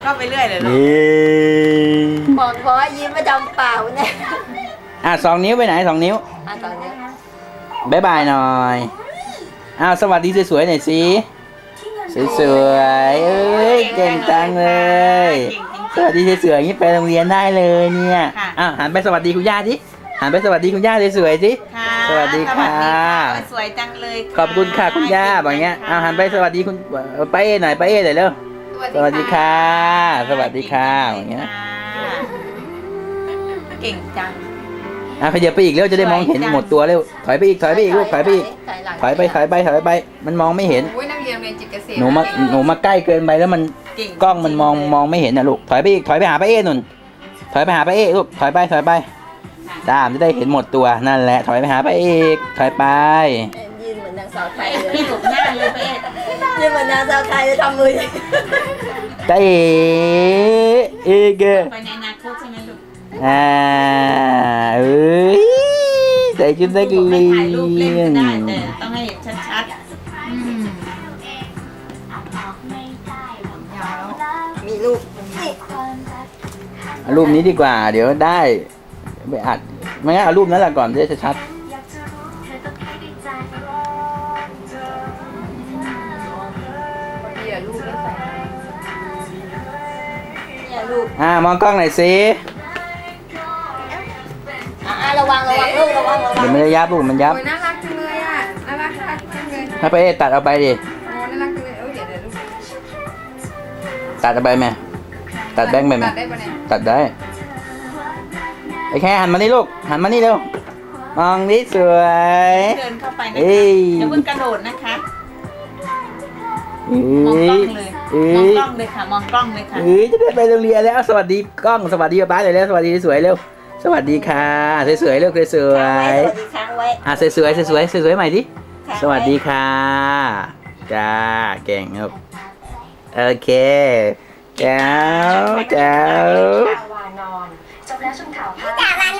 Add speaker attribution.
Speaker 1: ก็ไปเรื่อยเลยลูก
Speaker 2: บอกว่ายิ้มประจำเปล่าเนี่ย
Speaker 3: สองนิ้วไปไหนสองนิ้ว
Speaker 2: ตอนนี้
Speaker 3: บายบายหน่อยสวัสดีสวยๆหน่อยสิสวยๆเอ้ยเก่งจังเลยสวัสดีสวยๆอย่างนี้ไปโรงเรียนได้เลยเนี่ยหันไปสวัสดีคุณย่าสิหันไปสวัสดีคุณย่าสวยๆสิสวัสดีค่ะ
Speaker 1: สวยจังเลย
Speaker 3: ขอบคุณค่ะคุณย่าแบบเงี้ยหันไปสวัสดีคุณป้าเอ๋หน่อยป้าเอ๋หน่อยเร็วสวัสดีค่ะสวัสดีค่ะอย่างเงี้ย
Speaker 1: เก่งจัง
Speaker 3: ขยับไปอีกเร็วจะได้มองเห็นหมดตัวเร็วถอยไปอีกลูกถอยไปอีกถอยไปมันมองไม่เห็น
Speaker 2: นักเรียนเรียนจิตเกษตร
Speaker 3: หนูมาใกล้เกินไปแล้วมันกล้องมันมองไม่เห็นนะลูกถอยไปอีกถอยไปหาป้าเอ๋นุ่นถอยไปหาป้าเอ๋ลูกถอยไปตามจะได้เห็นหมดตัวนั่นแหละถอยไปหาป้าเอกถอยไป
Speaker 2: ยืนเหมือนนางสาวไทย
Speaker 1: ไม่ถูกหน้าเลยไป
Speaker 2: ยืนเหมือนนางสาวไทยเลยทำมือ
Speaker 3: ตาเอ๋เอก
Speaker 1: ไปในอนาคตใช่ไหมลูก
Speaker 3: เอ้ยใส่ชุดนักเรียน
Speaker 1: ถ่ายรูปเล่นก็ได้แต่ต้องให้เห็นชัดๆ
Speaker 2: มีลูก
Speaker 3: เอารูปนี้ดีกว่าเดี๋ยวได้ไปอัดไม่งั้นเอารูปนั้นแหละก่อนจะชัด
Speaker 2: เนี่ยลูกไม่ใส่เนี่ยลูก
Speaker 3: มองกล้องหน่อยสิ
Speaker 2: ระวังลูกระวัง
Speaker 3: เดี๋ยวมันจะยับลูกมันยับ
Speaker 2: โอ้ยน่ารักจังเลยอ่ะน่ารักจังเลย
Speaker 3: ถ้าป้าเอกตัดเอาไปดิ
Speaker 2: โอ้น่ารักจังเลยเดี๋ยวลูก
Speaker 3: ตัดเอาไปไหมตัดแบงค์ไปไหม
Speaker 2: ตัดได้ปะเนี่ย
Speaker 3: ตัดได้ไอ้แค่หันมานี่ลูกหันมานี่เร็วมองนี่สวย
Speaker 1: เดินเข้าไปนะ
Speaker 3: เอ้
Speaker 1: คะ
Speaker 3: ย
Speaker 1: อย่าเพิ่งกระโดดนะคะ
Speaker 3: เอ้
Speaker 1: มองกล้อง
Speaker 3: ย
Speaker 1: เลย
Speaker 3: เอ้
Speaker 1: มอง
Speaker 3: ย
Speaker 1: กล้องเลยค่ะมองกล้องเลยค่ะ
Speaker 3: จะได้ไปโรงเรียนแล้วสวัสดีกล้องสวัสดีป้าเลยแล้วสวัสดีสวยๆเร็วสวัสดีค่ะสวยๆเร็วสวย
Speaker 2: ค้างไว้
Speaker 3: ๆสวยๆสวยๆใหม่ดิสวัสดีค่ะจ้าเก่งครับโอเคแจ๋ว